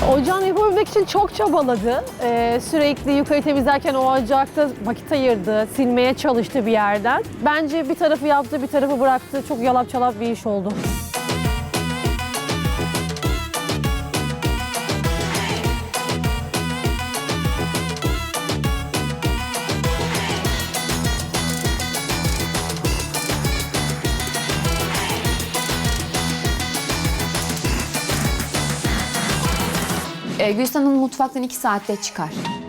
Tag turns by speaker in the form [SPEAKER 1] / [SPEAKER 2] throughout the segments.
[SPEAKER 1] Ocağını yapabilmek için çok çabaladı. Sürekli yukarı temizlerken o ocakta vakit ayırdı, silmeye çalıştı bir yerden. Bence bir tarafı yaptı, bir tarafı bıraktı. Çok yalap çalap bir iş oldu.
[SPEAKER 2] Gülistan Hanım mutfaktan 2 saatte çıkar.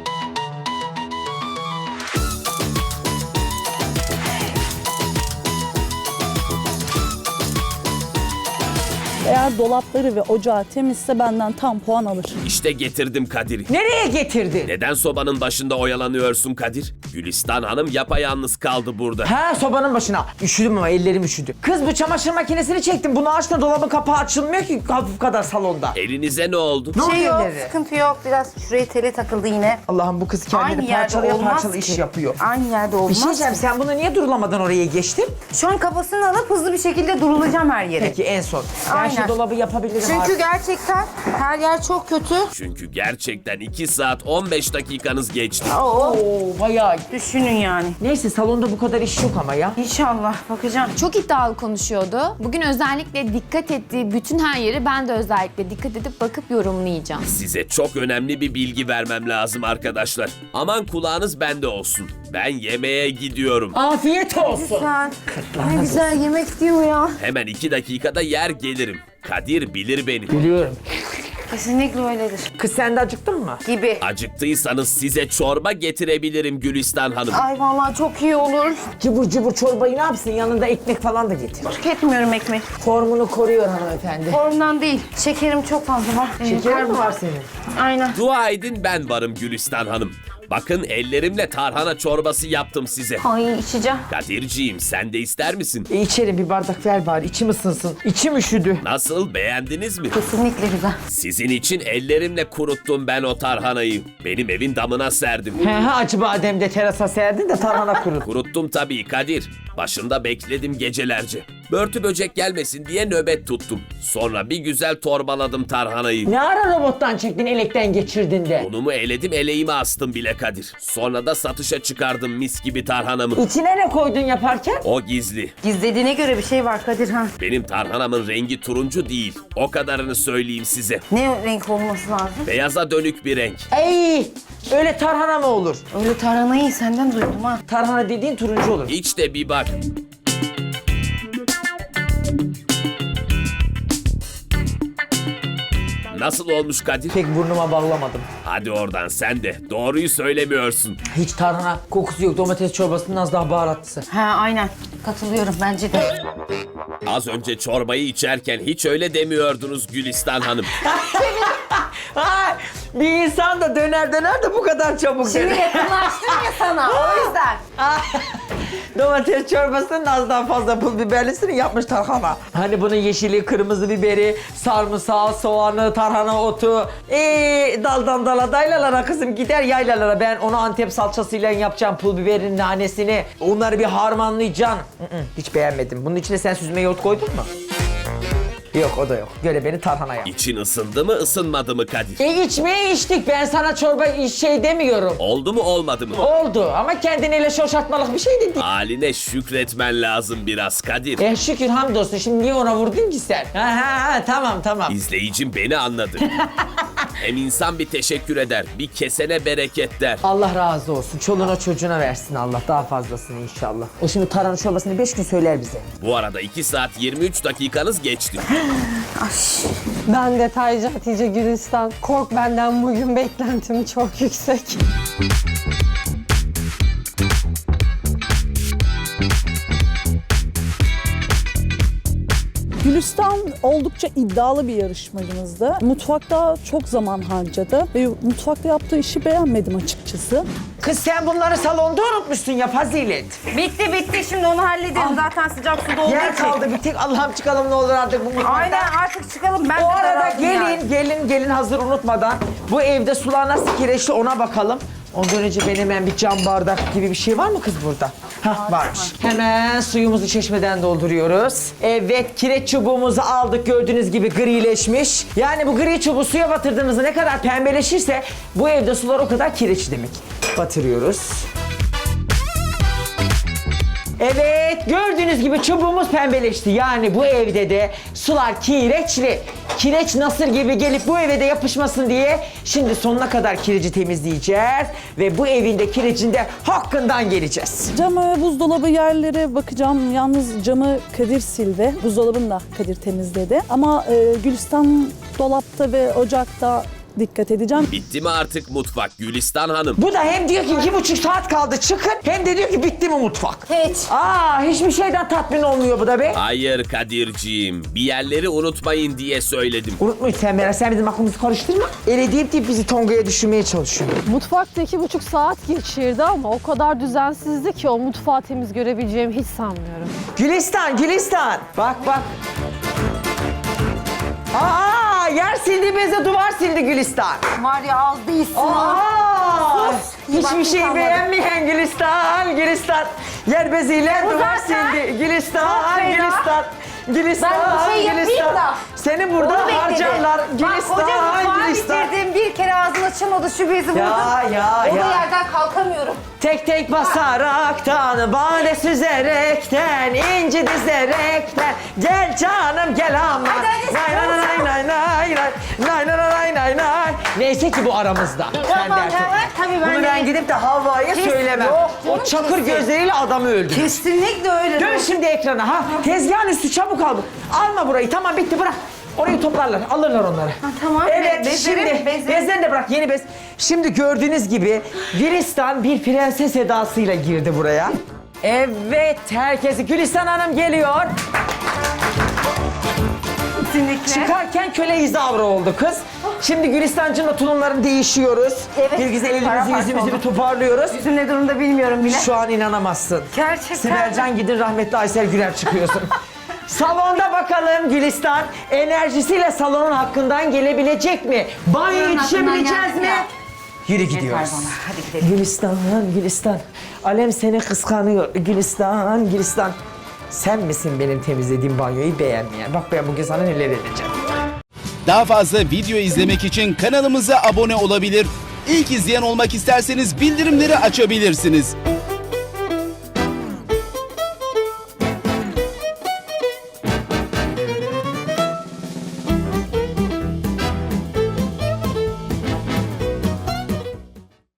[SPEAKER 3] Eğer dolapları ve ocağı temizse benden tam puan alır.
[SPEAKER 4] İşte getirdim Kadir'i.
[SPEAKER 5] Nereye getirdin?
[SPEAKER 4] Neden sobanın başında oyalanıyorsun Kadir? Gülistan Hanım yapayalnız kaldı burada.
[SPEAKER 5] Ha, sobanın başına. Üşüdüm ama ellerim üşüdü. Kız, bu çamaşır makinesini çektim. Bunu açtın, dolabın kapağı açılmıyor ki hafif kadar salonda.
[SPEAKER 4] Elinize ne oldu?
[SPEAKER 5] Ne
[SPEAKER 6] Şey
[SPEAKER 5] oluyor
[SPEAKER 6] yok,
[SPEAKER 5] elleri?
[SPEAKER 6] sıkıntı yok. Biraz şuraya tele takıldı yine.
[SPEAKER 5] Allah'ım, bu kız kendini
[SPEAKER 6] Aynı yerde
[SPEAKER 5] parçalaya
[SPEAKER 6] olmaz
[SPEAKER 5] parçalı iş
[SPEAKER 6] ki.
[SPEAKER 5] yapıyor.
[SPEAKER 6] Aynı yerde olmaz.
[SPEAKER 5] Bir şey diyeceğim, sen bunu niye durulamadan oraya geçtin?
[SPEAKER 6] Şu an kafasını alıp hızlı bir şekilde durulacağım her yere.
[SPEAKER 5] Peki en son. Ben
[SPEAKER 6] Aynen.
[SPEAKER 5] şu dolabı yapabilirim
[SPEAKER 6] Çünkü
[SPEAKER 5] artık.
[SPEAKER 6] gerçekten her yer çok kötü.
[SPEAKER 4] Çünkü gerçekten 2 saat 15 dakikanız geçti.
[SPEAKER 5] Oo, bayağı.
[SPEAKER 6] Düşünün yani.
[SPEAKER 5] Neyse, salonda bu kadar iş yok ama ya.
[SPEAKER 6] İnşallah bakacağım.
[SPEAKER 2] Çok iddialı konuşuyordu. Bugün özellikle dikkat ettiği bütün her yeri ben de özellikle dikkat edip bakıp yorumlayacağım.
[SPEAKER 4] Size çok önemli bir bilgi vermem lazım arkadaşlar. Aman kulağınız bende olsun. Ben yemeğe gidiyorum.
[SPEAKER 5] Afiyet olsun.
[SPEAKER 6] Sen ne güzel yemek diyor ya.
[SPEAKER 4] Hemen 2 dakikada yer gelirim. Kadir bilir beni.
[SPEAKER 5] Biliyorum.
[SPEAKER 6] Kesinlikle öyledir.
[SPEAKER 5] Kız, sen de acıktın mı?
[SPEAKER 6] Gibi.
[SPEAKER 4] Acıktıysanız size çorba getirebilirim Gülistan Hanım.
[SPEAKER 6] Ay vallahi çok iyi olur.
[SPEAKER 5] Cıbır cıbır çorbayı ne yapsın? Yanında ekmek falan da getir.
[SPEAKER 6] Tüketmiyorum ekmek.
[SPEAKER 5] Formunu koruyor hanımefendi.
[SPEAKER 6] Formdan değil. Şekerim çok fazla var.
[SPEAKER 5] Şeker mi var senin?
[SPEAKER 6] Aynen.
[SPEAKER 4] Dua edin ben varım Gülistan Hanım. Bakın ellerimle tarhana çorbası yaptım size.
[SPEAKER 6] Ay içeceğim.
[SPEAKER 4] Kadirciğim sen de ister misin?
[SPEAKER 5] İçerim, bir bardak ver bari, içim ısınsın. İçim üşüdü.
[SPEAKER 4] Nasıl, beğendiniz mi?
[SPEAKER 6] Kesinlikle güzel.
[SPEAKER 4] Sizin için ellerimle kuruttum ben o tarhanayı. Benim evin damına serdim.
[SPEAKER 5] He, acı badem de terasa serdin de tarhana kurut.
[SPEAKER 4] Kuruttum tabii Kadir. Başında bekledim gecelerce. Börtü böcek gelmesin diye nöbet tuttum. Sonra bir güzel torbaladım tarhanayı.
[SPEAKER 5] Ne ara robottan çektin, elekten geçirdin de?
[SPEAKER 4] Unumu eledim, eleğime astım bile Kadir. Sonra da satışa çıkardım mis gibi tarhanamı.
[SPEAKER 5] İçine ne koydun yaparken?
[SPEAKER 4] O gizli.
[SPEAKER 6] Gizlediğine göre bir şey var Kadir ha.
[SPEAKER 4] Benim tarhanamın rengi turuncu değil. O kadarını söyleyeyim size.
[SPEAKER 6] Ne renk olması lazım?
[SPEAKER 4] Beyaza dönük bir renk.
[SPEAKER 5] Ey, öyle tarhana mı olur?
[SPEAKER 6] Öyle tarhanayı senden duydum ha.
[SPEAKER 5] Tarhana dediğin turuncu olur.
[SPEAKER 4] Hiç de bir bak. Nasıl olmuş Kadir?
[SPEAKER 5] Pek burnuma bağlamadım.
[SPEAKER 4] Hadi oradan sen de. Doğruyu söylemiyorsun.
[SPEAKER 5] Hiç tarhana kokusu yok. Domates çorbasının az daha baharatlısı.
[SPEAKER 6] Ha aynen. Katılıyorum bence de.
[SPEAKER 4] Az önce çorbayı içerken hiç öyle demiyordunuz Gülistan Hanım.
[SPEAKER 5] Ay, bir insan da döner de bu kadar çabuk
[SPEAKER 6] Şimdi
[SPEAKER 5] döner.
[SPEAKER 6] yakınlaştım ya sana o yüzden.
[SPEAKER 5] Domates çorbasının az daha fazla pul biberlisini yapmış tarhana. Hani bunun yeşili, kırmızı biberi, sarımsağı, soğanı, tarhana otu. Daldan dala daylalara kızım, gider yaylalara. Ben onu Antep salçasıyla yapacağım, pul biberin nanesini. Onları bir harmanlayacaksın. Hiç beğenmedim. Bunun içine sen süzme yoğurt koydun mu? Yok, o da yok. Göre beni tarhana yap.
[SPEAKER 4] İçin ısındı mı ısınmadı mı Kadir?
[SPEAKER 5] İçmeye içtik. Ben sana çorba şey demiyorum.
[SPEAKER 4] Oldu mu olmadı mı?
[SPEAKER 5] Oldu ama kendine şoşartmalık bir şey de değil.
[SPEAKER 4] Haline şükretmen lazım biraz Kadir.
[SPEAKER 5] Şükür hamdolsun. Şimdi niye ona vurdun ki sen? Ha, tamam.
[SPEAKER 4] İzleyicim beni anladı. Hem insan bir teşekkür eder, bir kesene bereket der.
[SPEAKER 5] Allah razı olsun. Çoluğuna çocuğuna versin Allah. Daha fazlasını inşallah. O şimdi tarhana çorbasını 5 gün söyler bize.
[SPEAKER 4] Bu arada 2 saat 23 dakikanız geçti.
[SPEAKER 1] Ben detaycı Hatice Gülistan. Kork benden, bugün beklentim çok yüksek.
[SPEAKER 3] Gülistan oldukça iddialı bir yarışmacımızdı. Mutfakta çok zaman harcadı ve mutfakta yaptığı işi beğenmedim açıkçası.
[SPEAKER 5] Kız, sen bunları salonda unutmuşsun ya Fazilet.
[SPEAKER 6] Bitti şimdi onu halledelim. Zaten sıcak suda olduğu
[SPEAKER 5] Yer
[SPEAKER 6] için.
[SPEAKER 5] kaldı bir tek. Allah'ım çıkalım ne olur artık bu mutfaktan.
[SPEAKER 6] Aynen artık çıkalım. Ben
[SPEAKER 5] O
[SPEAKER 6] de
[SPEAKER 5] arada
[SPEAKER 6] razıyım yani.
[SPEAKER 5] gelin hazır unutmadan. Bu evde sular nasıl kireçli ona bakalım. Ondan önce benim hemen bir cam bardak gibi bir şey var mı kız burada? Hah varmış. Hemen suyumuzu çeşmeden dolduruyoruz. Evet kireç çubuğumuzu aldık gördüğünüz gibi grileşmiş. Yani bu gri çubuğu suya batırdığımızda ne kadar pembeleşirse bu evde sular o kadar kireç demek. Batırıyoruz. Evet gördüğünüz gibi çubuğumuz pembeleşti. Yani bu evde de sular kireçli. Kireç nasır gibi gelip bu eve de yapışmasın diye şimdi sonuna kadar kireci temizleyeceğiz. Ve bu evin de kirecin de hakkından geleceğiz.
[SPEAKER 3] Camı, buzdolabı yerlere bakacağım. Yalnız camı Kadir sildi. Buzdolabını da Kadir temizledi. Ama Gülistan dolapta ve ocakta dikkat edeceğim.
[SPEAKER 4] Bitti mi artık mutfak Gülistan Hanım?
[SPEAKER 5] Bu da hem diyor ki 2,5 saat kaldı çıkın hem de diyor ki bitti mi mutfak?
[SPEAKER 6] Hiç.
[SPEAKER 5] Hiçbir şeyden tatmin olmuyor bu da be.
[SPEAKER 4] Hayır Kadir'ciğim. Bir yerleri unutmayın diye söyledim.
[SPEAKER 5] Unutmayın sen Meral, sen bizim aklımızı karıştırma. Öyle deyip bizi Tonga'ya düşürmeye çalışıyor.
[SPEAKER 1] Mutfakta 2,5 saat geçirdi ama o kadar düzensizdi ki o mutfağı temiz görebileceğimi hiç sanmıyorum.
[SPEAKER 5] Gülistan, Gülistan. Bak. Yer sildi beze duvar sildi Gülistan.
[SPEAKER 6] Var ya az değilsin.
[SPEAKER 5] Hiçbir
[SPEAKER 6] vaktin
[SPEAKER 5] şey
[SPEAKER 6] kalmadı.
[SPEAKER 5] beğenmeyen Gülistan. Yer beziyle duvar
[SPEAKER 6] zaten
[SPEAKER 5] sildi. Gülistan.
[SPEAKER 6] Ben bir şey yapayım da.
[SPEAKER 5] Seni burada
[SPEAKER 6] Onu bekledim.
[SPEAKER 5] harcarlar.
[SPEAKER 6] Bak koca mutfağı
[SPEAKER 5] Gülistan.
[SPEAKER 6] bitirdim. Bir kere ağzını açamadı şu bezi vurdum.
[SPEAKER 5] Ya.
[SPEAKER 6] O yerden kalkamıyorum.
[SPEAKER 5] Tek tek basaraktan, bade süzerekten, inci dizerekten. Gel canım gel ama.
[SPEAKER 6] Hadi,
[SPEAKER 5] Nay. Neyse ki bu aramızda. Sen
[SPEAKER 6] Tamam,
[SPEAKER 5] dersin.
[SPEAKER 6] tabii ben
[SPEAKER 5] Bunu ben
[SPEAKER 6] de-
[SPEAKER 5] gidip de Havva'ya
[SPEAKER 6] Kes-
[SPEAKER 5] söylemem.
[SPEAKER 6] Yok,
[SPEAKER 5] O
[SPEAKER 6] canım,
[SPEAKER 5] çakır
[SPEAKER 6] kesin.
[SPEAKER 5] gözleriyle adamı öldürür.
[SPEAKER 6] Kesinlikle öyle.
[SPEAKER 5] Dön şimdi ekrana ha. Tezgahın üstü çabuk al. Alma burayı. Tamam bitti bırak. Orayı toplarlar. Alırlar onları.
[SPEAKER 6] tamam.
[SPEAKER 5] Evet
[SPEAKER 6] Bezlerim,
[SPEAKER 5] şimdi
[SPEAKER 6] bezlerim.
[SPEAKER 5] bezlerini de bırak. Yeni bez. Şimdi gördüğünüz gibi Gülistan bir prenses edasıyla girdi buraya. Evet herkesi Gülistan Hanım geliyor.
[SPEAKER 6] Kesinlikle.
[SPEAKER 5] Çıkarken köle izavra oldu kız. Şimdi Gülistancığımla tulumlarını değişiyoruz.
[SPEAKER 6] Evet,
[SPEAKER 5] Bir güzel elimizi
[SPEAKER 6] paramparça
[SPEAKER 5] yüzümüzü
[SPEAKER 6] oldu.
[SPEAKER 5] bir toparlıyoruz.
[SPEAKER 6] Yüzüm ne durumda bilmiyorum bile.
[SPEAKER 5] Şu an inanamazsın.
[SPEAKER 6] Gerçekten.
[SPEAKER 5] Sibelcan gidin rahmetli Aysel Güler çıkıyorsun. Salonda bakalım Gülistan enerjisiyle salonun hakkından gelebilecek mi? Banyo yetişebileceğiz mi? Yürü gidiyoruz.
[SPEAKER 6] bana, hadi gidelim.
[SPEAKER 5] Gülistan. Alem seni kıskanıyor. Gülistan. Sen misin benim temizlediğim banyoyu beğenmeyen? Bak ben bugün sana neler edeceğim.
[SPEAKER 7] Daha fazla video izlemek için kanalımıza abone olabilir. İlk izleyen olmak isterseniz bildirimleri açabilirsiniz.